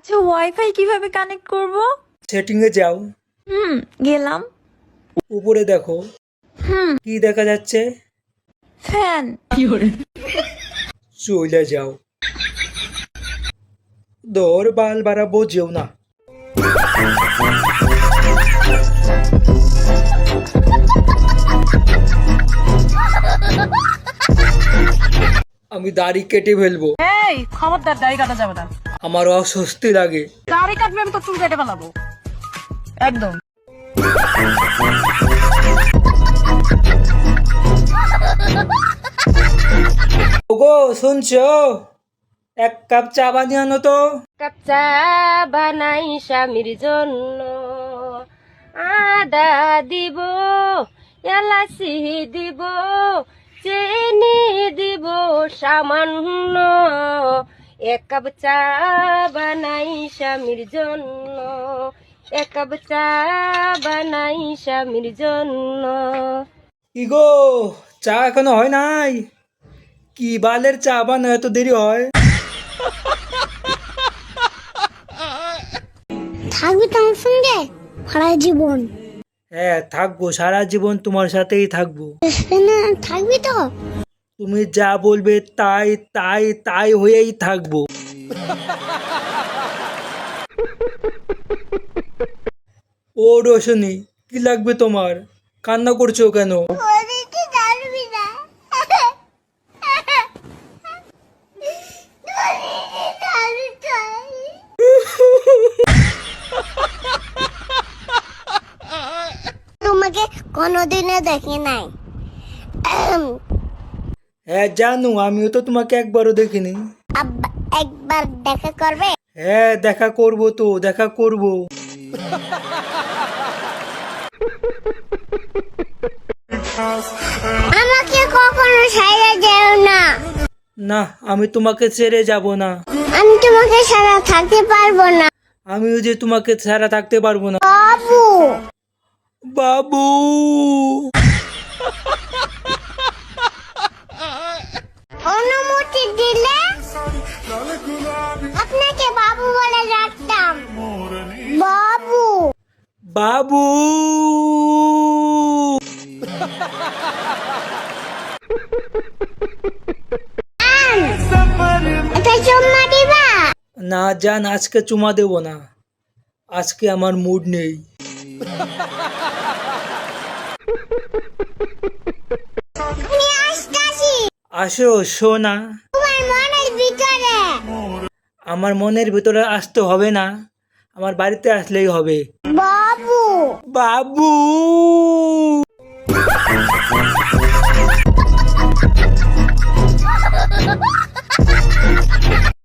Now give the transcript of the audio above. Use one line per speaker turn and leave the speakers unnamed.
আচ্ছা, ওয়াইফাই কিভাবে কানেক্ট করব?
সেটিং এ যাও,
গেলাম।
উপরে দেখো কি দেখা যাচ্ছে।
ফ্যান।
চলে যাও, দৌড় বাল বাড়াবো যেও না। আমি দাড়ি কেটে ফেলবো,
এই খবরদার, দাড়ি কাটা যাবে না।
আমার অস্বস্তি লাগে।
দাড়ি কাটবে আমি তো চুল কেটে ফেলাবো একদম।
ওগো শুনছো, এক কাপ চা বানিয়ে আনো তো।
কাপ চা বানাই স্বামীর জন্য, আদা দিব, এলাচি দিব, চিনি দিব সামান্য। এক কাপ চা বানাই স্বামীর জন্য, এক কাপ চা বানাই স্বামীর জন্য।
ইগো, চা এখনো হয় নাই? কি বালের চা বানায় এত দেরি হয়?
থাকবি তো আমার সঙ্গে সারা জীবন?
হ্যাঁ থাকবো, সারা জীবন তোমার সাথেই থাকবো।
না, থাকবি তো?
তুমি যা বলবে তাই তাই তাই হয়েই থাকবো। ও রোশনি, কি লাগবে তোমার? কান্না করছো কেন?
তোমাকে কোনোদিনও দেখি নাই।
হ্যাঁ জানো, আমিও তো তোমাকে একবারও দেখিনি।
আব্বা একবার দেখা করবে?
হ্যাঁ দেখা করবো তো, দেখা করবো।
আমাকে কখনো ছাড়া যেও না।
না, আমি তোমাকে ছেড়ে যাব না।
আমি তোমাকে ছাড়া থাকতে পারবো না।
আমিও যে তোমাকে ছাড়া থাকতে পারবো না।
বাবু,
বাবু,
অনুমতি দিলে আপনাকে বাবু বলে ডাকতাম। বাবু,
বাবু।
এটা চুম্মা দিবা?
না জান, আজকে চুমা দেব না, আজকে আমার মুড নেই।
আমি আসতাছি
আসো সোনা।
তোমার মনের ভিতরে।
আমার মনের ভিতরে আসতে হবে না, আমার বাড়িতে আসলেই হবে।
বাবু,
বাবু।